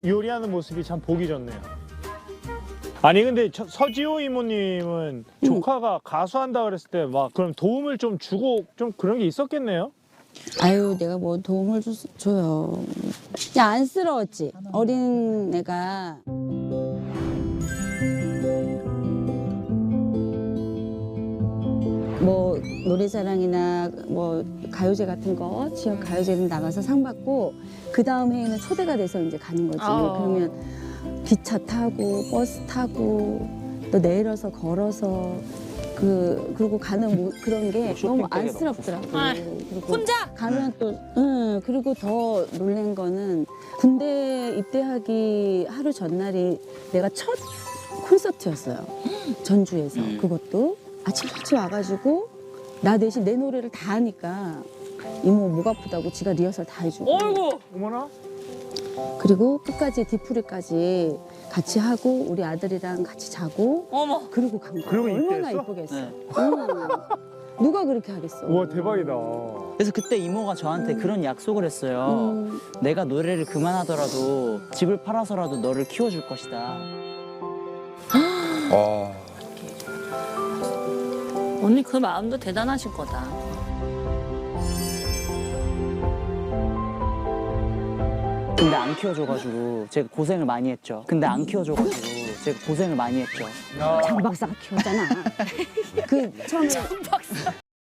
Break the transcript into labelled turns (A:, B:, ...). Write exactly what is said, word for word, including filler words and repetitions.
A: 요리하는 모습이 참 보기 좋네요. 아니 근데 저, 서지호 이모님은
B: 음.
A: 조카가 가수한다 그랬을 때 막 그럼 도움을 좀 주고 좀 그런 게 있었겠네요?
B: 아유, 내가 뭐 도움을 주, 줘요. 그냥 안쓰러웠지. 어린 애가. 뭐 노래자랑이나 뭐 가요제 같은 거 지역 가요제는 나가서 상 받고 그 다음 해에는 초대가 돼서 이제 가는 거지.
C: 어.
B: 그러면 기차 타고 버스 타고 또 내려서 걸어서 그 그리고 가는 뭐 그런 게 너무 안쓰럽더라고.
C: 아,
B: 그리고
C: 혼자?
B: 가면 또 응, 그리고 더 놀란 거는 군대 입대하기 하루 전날이 내가 첫 콘서트였어요. 전주에서. 그것도 아침 일찍 와가지고 나 대신 내 노래를 다 하니까 이모 목 아프다고 지가 리허설 다 해주고.
C: 어이구.
A: 어머나?
B: 그리고 끝까지 디프리까지 같이 하고 우리 아들이랑 같이 자고
C: 어머.
B: 그리고 간 거야.
A: 그러고
B: 얼마나
A: 입대했어?
B: 이쁘겠어.
D: 네.
B: 응. 누가 그렇게 하겠어.
A: 우와 대박이다.
D: 그래서 그때 이모가 저한테 그런 약속을 했어요.
B: 음.
D: 내가 노래를 그만하더라도 집을 팔아서라도 너를 키워줄 것이다.
E: 아,
C: 언니 그 마음도 대단하실 거다.
D: 근데 안 키워줘가지고 제가 고생을 많이 했죠. 근데 안 키워줘가지고 제가 고생을 많이 했죠.
B: 장 박사가 키웠잖아. 그 처음에